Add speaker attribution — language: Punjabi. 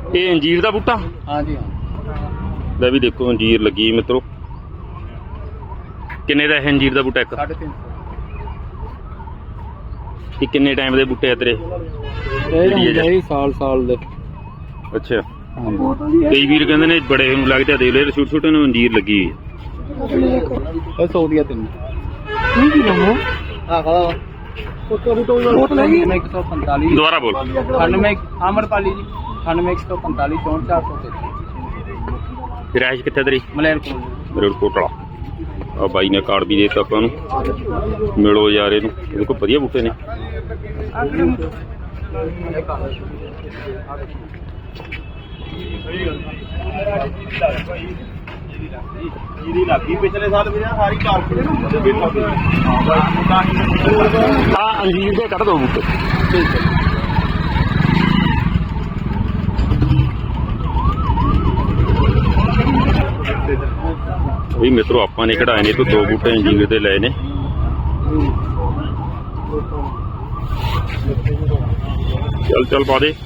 Speaker 1: ਇਹ ਅੰਜੀਰ ਦਾ ਬੂਟਾ?
Speaker 2: हाँ जी हाँ।
Speaker 1: ਲੈ ਵੀ ਦੇਖੋ ਅੰਜੀਰ ਲੱਗੀ ਮਿੱਤਰੋ। ਕਿੰਨੇ ਦਾ ਇਹ ਅੰਜੀਰ ਦਾ ਬੂਟਾ ਇੱਕ?
Speaker 2: 350।
Speaker 1: ਇਹ ਕਿੰਨੇ ਟਾਈਮ ਦੇ ਬੂਟੇ ਆ ਤੇਰੇ?
Speaker 2: साल दे।
Speaker 1: ਅੱਛਾ ਕਈ ਵੀਰ ਕਹਿੰਦੇ ਨੇ ਬੜੇ ਨੂੰ ਲੱਗਦਾ ਦੇਖ ਲੈ ਛੋਟੇ ਛੋਟੇ ਨੂੰ ਅੰਜੀਰ ਲੱਗੀ ਹੋਈ
Speaker 2: 100 दिया तीन।
Speaker 1: ਦੁਬਾਰਾ ਬੋਲ।
Speaker 2: 98 आमरपाली जी 98 145 64 433।
Speaker 1: ਰਿਹਾਇਸ਼ ਕਿੱਥੇ ਤੇਰੀ?
Speaker 2: मलेरकोट।
Speaker 1: ਰੇਲਕੋਟਲਾ। ਆ ਬਾਈ ਨੇ ਕਾਰਡ ਵੀ ਦੇ ਦਿੱਤਾ ਆਪਾਂ ਨੂੰ, ਮਿਲੋ ਯਾਰ ਇਹਨੂੰ। ਇਹਦੇ ਕੋਲ ਵਧੀਆ ਬੂਟੇ ਨੇ।
Speaker 3: ਜਿਹਦੀ ਲੱਗੀ ਪਿਛਲੇ ਸਾਲ ਵੀ ਸਾਰੀ ਕਾਰਪੋਰੇਟ
Speaker 1: ਆ ਅੰਜੀਰ ਦੇ ਕੱਢ ਦੋ ਬੂਟੇ। ਵੀ ਮਿੱਤਰੋ ਆਪਾਂ ਨੇ ਕਢਾਏ ਨੇ ਤੋਂ 2 ਬੂਟੇ ਅੰਜੀਰ ਦੇ ਲਏ ਨੇ। ਚੱਲ ਚੱਲ ਪਾ ਦੇ।